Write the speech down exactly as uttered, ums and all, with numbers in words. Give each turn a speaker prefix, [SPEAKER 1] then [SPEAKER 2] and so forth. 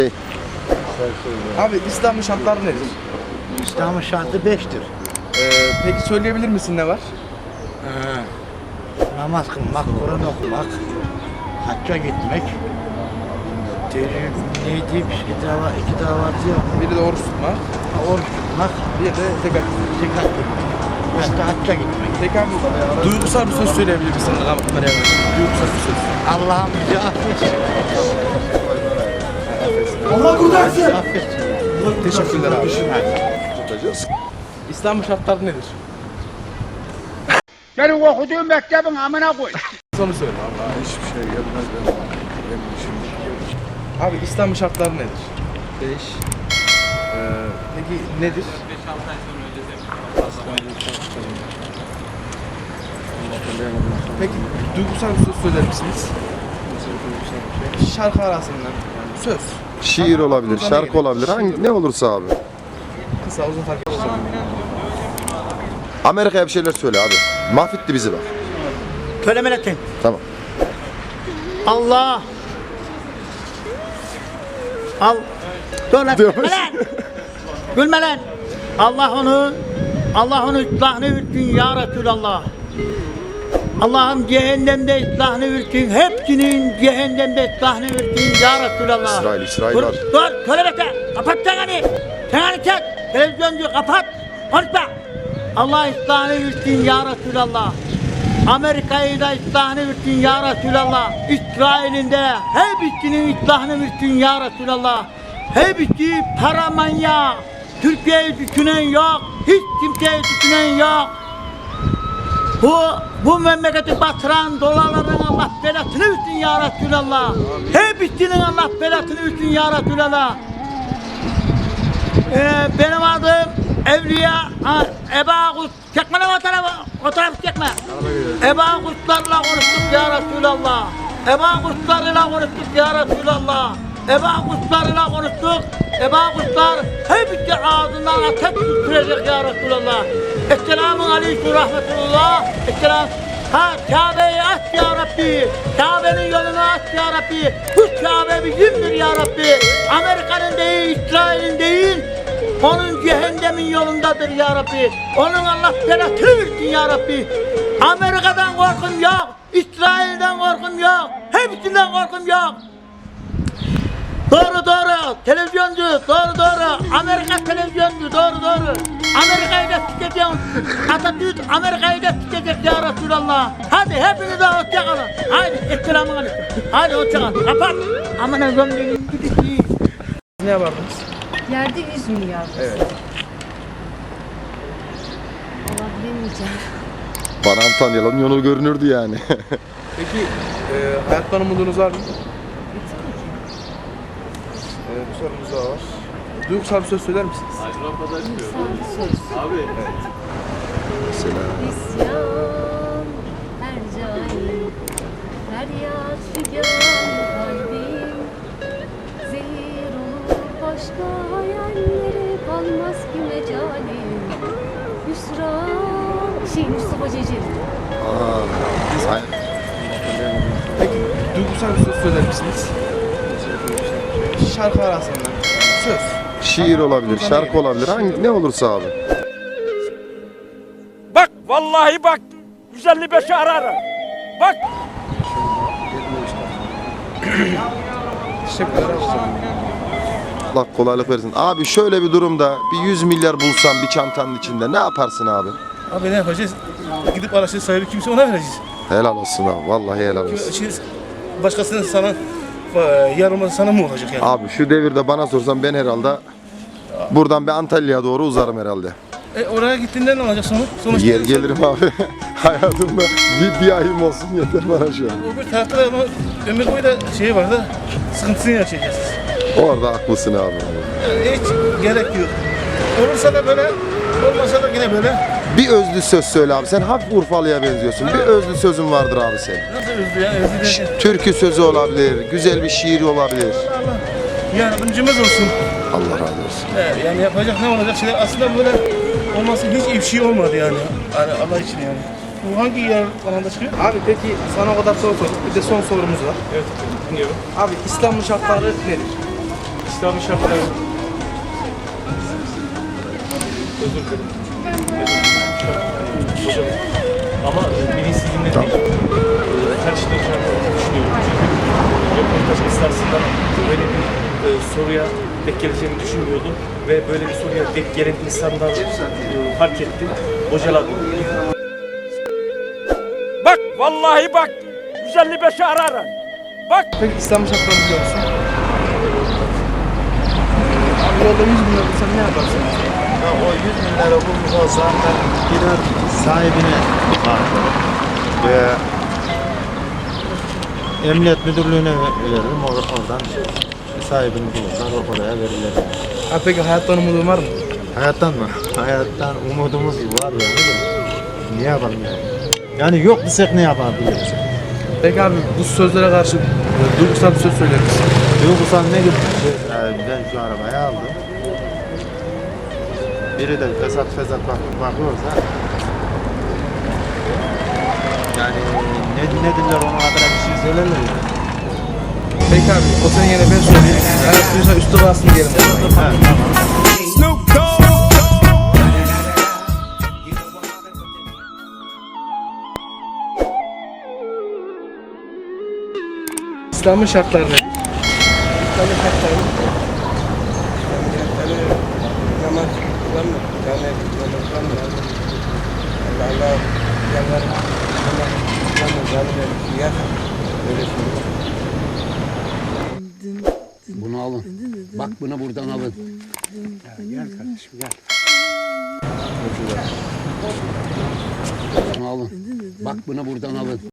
[SPEAKER 1] Abi İslam'ın şartları nedir?
[SPEAKER 2] İslam'ın şartı beştir.
[SPEAKER 1] Ee, peki söyleyebilir misin ne var?
[SPEAKER 2] Ee, namaz kılmak, Kur'an okumak, hacca gitmek, tecrüb, neydi, iki dava, iki davatı yok.
[SPEAKER 1] Biri de oruç tutmak,
[SPEAKER 2] Oruç tutmak,
[SPEAKER 1] bir de zekat.
[SPEAKER 2] zekat gitmek. Hatta hacca gitmek.
[SPEAKER 1] Peki abi duygusal bir söz söyleyebilir misin? Kameraya bak. Duygusal bir söz.
[SPEAKER 2] Allah'ım bizi affetsin.
[SPEAKER 1] Allah kurtarsın.
[SPEAKER 2] Affetsin.
[SPEAKER 1] Teşekkürler abi. İslam'ın şartları nedir?
[SPEAKER 3] Senin okuduğun mektebin amına koy.
[SPEAKER 1] Sonu söyle.
[SPEAKER 4] Vallahi hiçbir şey gelmez benim. Benim işim.
[SPEAKER 1] Abi İslam'ın şartları nedir?
[SPEAKER 4] Beş.
[SPEAKER 1] Ee, peki nedir? Peki duygusal bir söz söyler misiniz? Şarkı arasından yani söz.
[SPEAKER 4] Şiir olabilir, şarkı olabilir. Hangi, ne olursa abi.
[SPEAKER 1] Kısa uzun fark etmez.
[SPEAKER 4] Amerika'ya bir şeyler söyle abi. Mahvetti bizi bak.
[SPEAKER 2] Söyle milletin.
[SPEAKER 4] Tamam.
[SPEAKER 2] Allah. Al. Dur lan.
[SPEAKER 4] Diyormuş.
[SPEAKER 2] Gülme lan. Gülme lan. Allah onu, Allah onu ıslahını versin ya Resulallah. Allah'ım cehennemde ıslahını versin. Hepsinin cehennemde ıslahını versin ya Resulallah.
[SPEAKER 4] İsrail, İsrail
[SPEAKER 2] dur,
[SPEAKER 4] var.
[SPEAKER 2] Dur, söyle bekle. Kapat çeneni. Çeneni çek. Televizyoncu kapat. Konuşma. Allah ıslahını versin ya Resulallah. Amerika'yı da ıslahını versin ya Resulallah. İsrail'in de hepsinin ıslahını versin ya Resulallah. Hepsi para manyağı. Türkiye'yi düşünen yok. Hiç kimseyi düşünen yok. Bu, bu memleketi batıran dolarların Allah belasını versin ya Resulallah. Hepsinin Allah belasını versin ya Resulallah. Ee, benim adım Evliya ha, Eba Kut. Çekme lan o tarafı, o tarafı çekme. Eba Kutlarla konuştuk ya Resulallah. Eba Kutlarla konuştuk ya Resulallah. Eba Kutlarla konuştuk. Eba Kutlar hepsi ağzından ateş sürecek ya Resulallah. Esselamun aleyküm rahmetullah. Esselam. Ha Kabe'yi aç ya Rabbi. Kabe'nin yolunu aç ya Rabbi. Bu Kabe bizimdir ya Rabbi. Amerika'nın değil, İsrail'in değil. Onun cehennemin yolundadır ya Rabbi. Onun Allah belasını versin ya Rabbi. Amerika'dan korkum yok. İsrail'den korkum yok. Hepsinden korkum yok. Doğru doğru. Televizyoncu. Doğru doğru. Amerika televizyoncu. Doğru doğru. Amerika'yı da sikeceğim. Atatürk Amerika'yı da sikecek ya Resulallah. Hadi hepinize hoşça kalın. Haydi. Esselamun aleyküm. Hadi hoşça kalın. Kapat. Aman Allah'ım benim gidişi.
[SPEAKER 1] Ne yapardınız?
[SPEAKER 5] Yerde yüz milyar.
[SPEAKER 1] Evet.
[SPEAKER 5] Allah bilemeyeceğim.
[SPEAKER 4] Bana Antalya'nın yolu görünürdü yani.
[SPEAKER 1] Peki e, hayattan umudunuz var mı? E, bir sorumuz daha var. Duygusal bir söz söyler misiniz?
[SPEAKER 5] Sağlık söz.
[SPEAKER 4] Mesela.
[SPEAKER 5] İsyan her cahil. Feryat figan kalbim. Zehir olur başka hayallere kalmaz ki mecalim. Hüsran. Şey Mustafa Ceceli.
[SPEAKER 4] Aa, aynen.
[SPEAKER 1] Peki duygusal bir söz söyler misiniz? Şarkı arasından söz.
[SPEAKER 4] Şiir olabilir, şarkı olabilir. Hangi, ne olursa abi.
[SPEAKER 3] Bak vallahi bak yüz elli beşi ararım. Bak.
[SPEAKER 1] Teşekkürler.
[SPEAKER 4] Allah kolaylık versin. Abi şöyle bir durumda bir yüz milyar bulsan bir çantanın içinde ne yaparsın abi?
[SPEAKER 6] Abi ne yapacağız? Gidip araçları sahibi kimse ona vereceğiz.
[SPEAKER 4] Helal olsun abi. Vallahi helal olsun.
[SPEAKER 6] Şimdi başkasının sana yarılması sana mı olacak yani?
[SPEAKER 4] Abi şu devirde bana sorsan ben herhalde buradan bir Antalya'ya doğru uzarım herhalde.
[SPEAKER 6] E oraya gittiğinde ne olacak sonra? Sonuçta
[SPEAKER 4] Yer gelirim abi. Hayatımda bir, bir ayım olsun yeter bana şu an.
[SPEAKER 6] Öbür tarafta da ama ömür boyu da şeyi var da sıkıntısını yaşayacağız.
[SPEAKER 4] Orada haklısın abi.
[SPEAKER 6] Yani hiç gerek yok. Olursa da böyle, olmasa da yine böyle.
[SPEAKER 4] Bir özlü söz söyle abi. Sen hafif Urfalı'ya benziyorsun. Bir özlü sözün vardır abi senin.
[SPEAKER 6] Nasıl üzdü ya? Üzdü
[SPEAKER 4] Ş-
[SPEAKER 6] derken.
[SPEAKER 4] Türkü sözü olabilir, güzel bir şiir olabilir.
[SPEAKER 6] Allah yardımcımız olsun.
[SPEAKER 4] Allah razı olsun.
[SPEAKER 6] He, yani yapacak ne olacak şeyler aslında böyle olması hiç iyi bir şey olmadı yani. Yani Allah için yani. Bu hangi yer alanda çıkıyor?
[SPEAKER 1] Abi peki sana o kadar soru sorduk. Bir de son sorumuz var. Evet, dinliyorum. Abi İslam'ın şartları nedir?
[SPEAKER 6] İslam'ın şartları. Özür dilerim. Hocam. Ama bilinçsizliğimden değil. Karıştıracağını düşünüyorum. Çünkü röportaj esnasında böyle bir e, soruya denk geleceğimi düşünmüyordum. Ve böyle bir soruya denk gelen insanlar e, fark ettim. Bocaladım.
[SPEAKER 3] Bak vallahi bak yüz elli beşi ararım. Bak
[SPEAKER 1] Peki İslam'ın şartlarını biliyor musun? Abi yolda yüz bin lira bulsan ne yaparsın?
[SPEAKER 7] Ya o yüz bin lira bulmuş olsam ben gider sahibine bağlarım ve emniyet müdürlüğüne veririm. Or oradan sahibini bulurlar, oraya verirler.
[SPEAKER 1] Abi peki hayattan umudun var mı?
[SPEAKER 7] Hayattan mı? Hayattan umudumuz var yani de. Ne yapalım yani? Yani yok desek ne yapabiliriz?
[SPEAKER 1] Peki abi bu sözlere karşı e, duygusal bir söz söyler misin?
[SPEAKER 7] Duygusal ne gibi? Yani ben şu arabayı aldım. Biri de fesat fesat bak bakıyorsa yani ne, ne diller ona kadar bir şey söylerler yani.
[SPEAKER 1] Peki abi o senin yerine ben söyleyeyim. Hayat duysa üstü basın diyelim.
[SPEAKER 7] Evet, tamam.
[SPEAKER 1] İslam'ın şartları ne? İslam'ın şartları namaz kılma, camiye namaz kılma. Allah Allah yanlar namaz kılma, camiye yasak. Öyle söylüyor.
[SPEAKER 8] Bunu alın. Bak bunu buradan alın.
[SPEAKER 1] Gel kardeşim gel.
[SPEAKER 8] Bunu alın. Bak bunu buradan alın.